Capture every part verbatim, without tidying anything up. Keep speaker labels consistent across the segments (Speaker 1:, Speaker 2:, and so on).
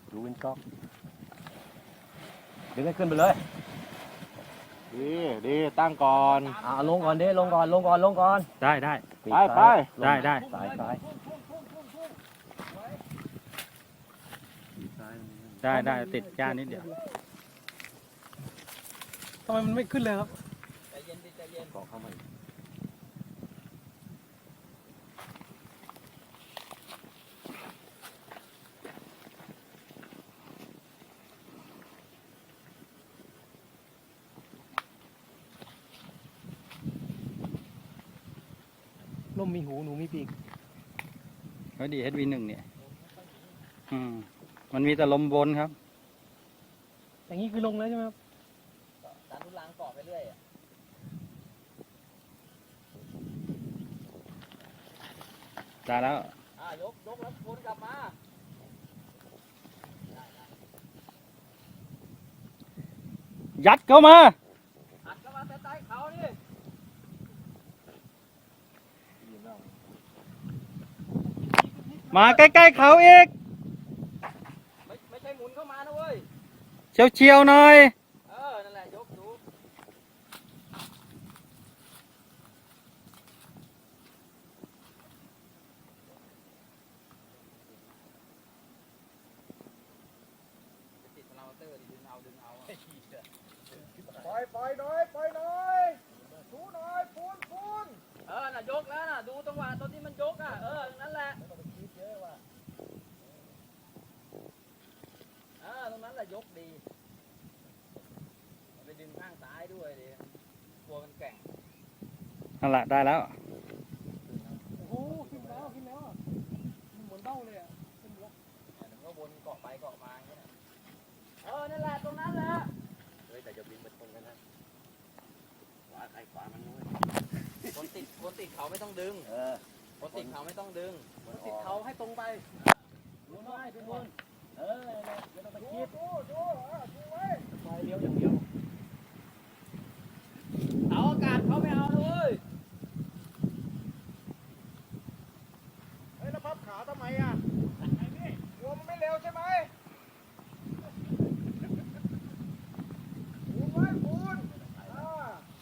Speaker 1: ดูวินก๊อกดึงให้ขึ้นไปเลย
Speaker 2: ดีดีตั้งก่อน
Speaker 1: อ่าลงก่อนดิลงก่อนลงก่อนลงก่อน
Speaker 3: ได้ได้
Speaker 2: ไปไป
Speaker 3: ได้ได้
Speaker 1: สายสาย
Speaker 3: ได้ได้ติดก้านนิดเดียว
Speaker 4: ทำไมมันไม่ขึ้นเลยครับ
Speaker 1: ใจเย็นดิใจเย็นก่อเข้ามาลมมีหูหนูมีปีก
Speaker 3: ก็ดี เอช วี หนึ่งเนี่ยอืมมันมีแต่ลมบนครับ
Speaker 4: อย่างนี้คือลงแล้วใช่ไหมครับ
Speaker 1: ดันทุลังเกาะไปเรื่อยอ่ะ
Speaker 3: ได้แล้ว
Speaker 1: อ่ายกยกแล้ววนกลับมา
Speaker 3: ยัดเข้ามา
Speaker 1: อัดเข้ามาใต้เขานี่
Speaker 3: มาใกล้ๆเขาอีก
Speaker 1: ไม่ไม่ใช่หมุนเข้ามานะเว้ย
Speaker 3: เฉียวเฉียวๆหน่อย
Speaker 1: เออนั่นแหละยกดูติดพลาวเตอร์ดึงเอาดึงเอาปล่อยปล่อยหน่อยปล่อยหน่อยดูหน่อยพูนพูนเออน่ะยกแล้วน่ะดูจังหวะตอนที่มันยกอ่ะเออนั่นแหละไม่ต้องไปคิดเยอะว่ะเออตรงนั้นแหละยกดีไปดึงข้างซ้ายด้วยดิตัวมันแก่ง
Speaker 3: นั่นแหละได้แล้ว
Speaker 4: โอ้โหขึ้นแล้วขึ้นแล้วอะมันเหมือนเบ้าเลยอ่ะขึ้นแล้ว
Speaker 1: เดี๋ยวมันก็วนเกาะไปเกาะมาอย่างเงี้ยเออนั่นแหละตรงนั้นแหละเฮ้ยแต่จะบินไปตรงกันนะขวาใครขวามันด้วยคนติดคนติดเขาไม่ต้องดึงเออคนติดเขาไม่ต้องดึงคนติดเขาให้ตรงไปดูหน่อยดูบนเออไม่ต้องไปคิดดูดูดูไว้ไปเลี้ยวอย่างเดียวเอาอากาศเขาไม่เอาเลยเฮ้ยแล้วพับขาทำไมอ่ะไอ้นี่กลัวมันไม่เร็วใช่ไหมปูนไว้ปูนอ่า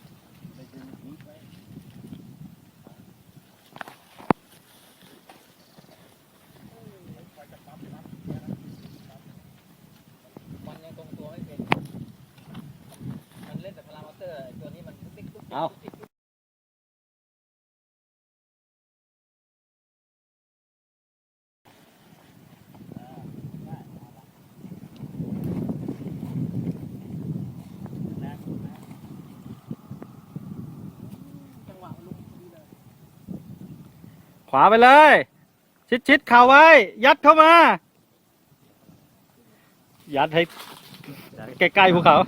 Speaker 1: มันยังตรงตัวไม่เป็นมันเล่นแต่พารามอเตอร์ตัวนี้มันติ๊กตุ๊กติ๊กตุ๊กติ๊ก
Speaker 4: จังหวะมันลงพอดีเลย
Speaker 3: ขวาไปเลย ชิดชิดเข่าไว้ ยัดเข้ามา ยัดให้ใกล้ๆภูเขา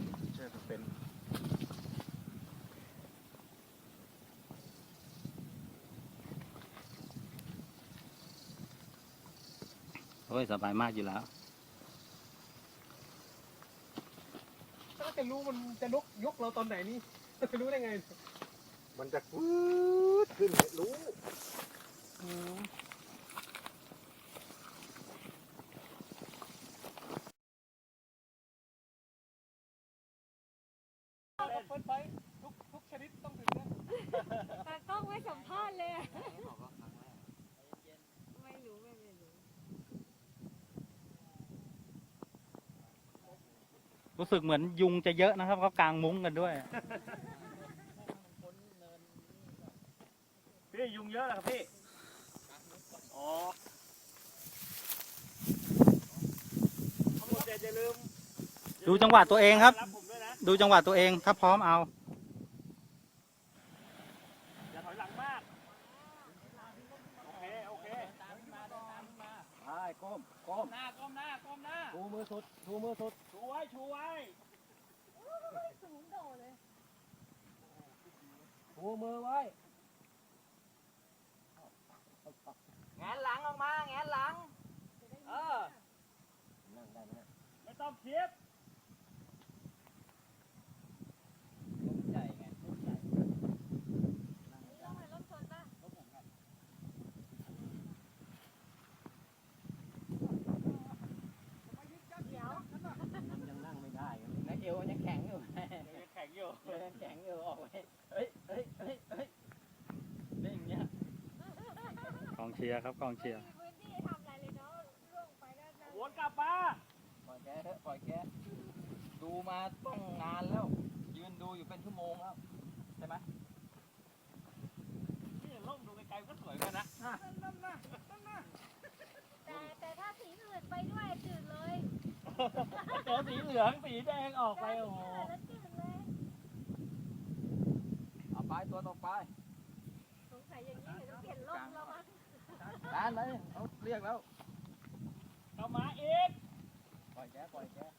Speaker 3: โอ้ยสบายมากอยู่แล้ว
Speaker 4: ถ้าจะรู้มันจะยกยกเราตอนไหนนี่ จะรู้ได้ไง
Speaker 2: มันจะฟืดขึ้นรู้
Speaker 4: อืมเปิดไฟทุกทุกชนิดต้องถึงนะ
Speaker 5: ตากล้องไม่สัมภาษณ์เลยอะไม่รู้ไม่ไม่รู้
Speaker 3: รู้สึกเหมือนยุงจะเยอะนะครับเขากางมุ้งกันด้วย
Speaker 2: พี่ยุงเยอะเหรอครับพี่อ๋อทั้งหมดอย่าลืม
Speaker 3: ดูจังหวะตัวเองครับ
Speaker 2: รับผมด้วยนะ
Speaker 3: ดูจังหวะตัวเองถ้าพร้อมเอา
Speaker 2: อย่าถอยหลังมากโอเคโอเค
Speaker 1: ตามมาเดินตามมาใช่ก้มก้มหน้าก้มหน้าก้มหน้าชูมือสุดชูมือสุด
Speaker 2: ชูไว้ชูไว้
Speaker 5: สูงโดดเลย
Speaker 1: ชูมือไว้แงนหลังออกมาแงนหลังเออนั่งได้ไหม
Speaker 2: ไม่ต้องคิด
Speaker 1: ใหญ่ไงใหญ่
Speaker 5: ต้องไปรถชนป่ะ
Speaker 1: เ
Speaker 3: ชียร์ครับกองเชียร์
Speaker 5: ไม่มีพื้นที่ทำอะไรเลยเนาะล่วงไปแล้วนะ
Speaker 2: วนกลับมา
Speaker 1: ปล่อยแกเถอะปล่อยแกดูมาต้องงานแล้ว ยืนดูอยู่เป็นชั่วโมงแล้วใช่ไหม
Speaker 2: นี่ล่มดูไกลๆก็สวยกันนะ
Speaker 5: แต่แต่ถ้าสีอื่นไปด้วยจืดเลย
Speaker 2: เจอสีเหลืองสีแดงออกไปโอ้โห
Speaker 5: แล้วจืดเลย
Speaker 1: เอาไปตัวต่อไป
Speaker 5: สงสัยอย่างนี้เดี๋ยวต้องเปลี่ยนร่มแล้วมั้ง
Speaker 1: ด้านไหนเขาเรียกแล้ว
Speaker 2: เข้ามาอีก
Speaker 1: ปล่อยแกปล่อยแก